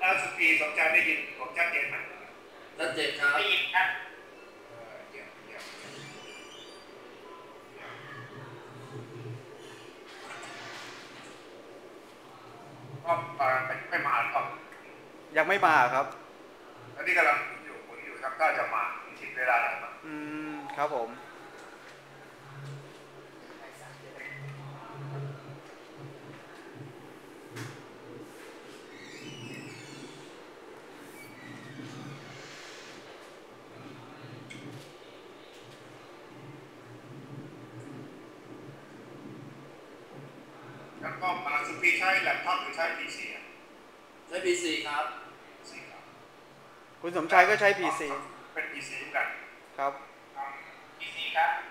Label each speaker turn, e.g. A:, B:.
A: แล้วสุกีสมชายได้ยินผมชัดเจนไหม
B: ชัดเจนครับ
C: ได้ยินครับ
A: เยี่ยมเยี่ยมก็ไม่มาครับ
D: ยังไม่มาครับ
A: แล้วนี่กำลังผมอยู่ครับก็จะมาชิดเวลาแล้วครับ
D: ครับผม
A: แล้วก็สุกีใช้แล็ปท็อปหรือใช้ PC
B: ใช้ PC ครับ
A: PC ครับ
D: คุณสมชายก็ใช้ PC
A: เป็น PC เหมือนกัน
D: ครับ
A: PC ครับ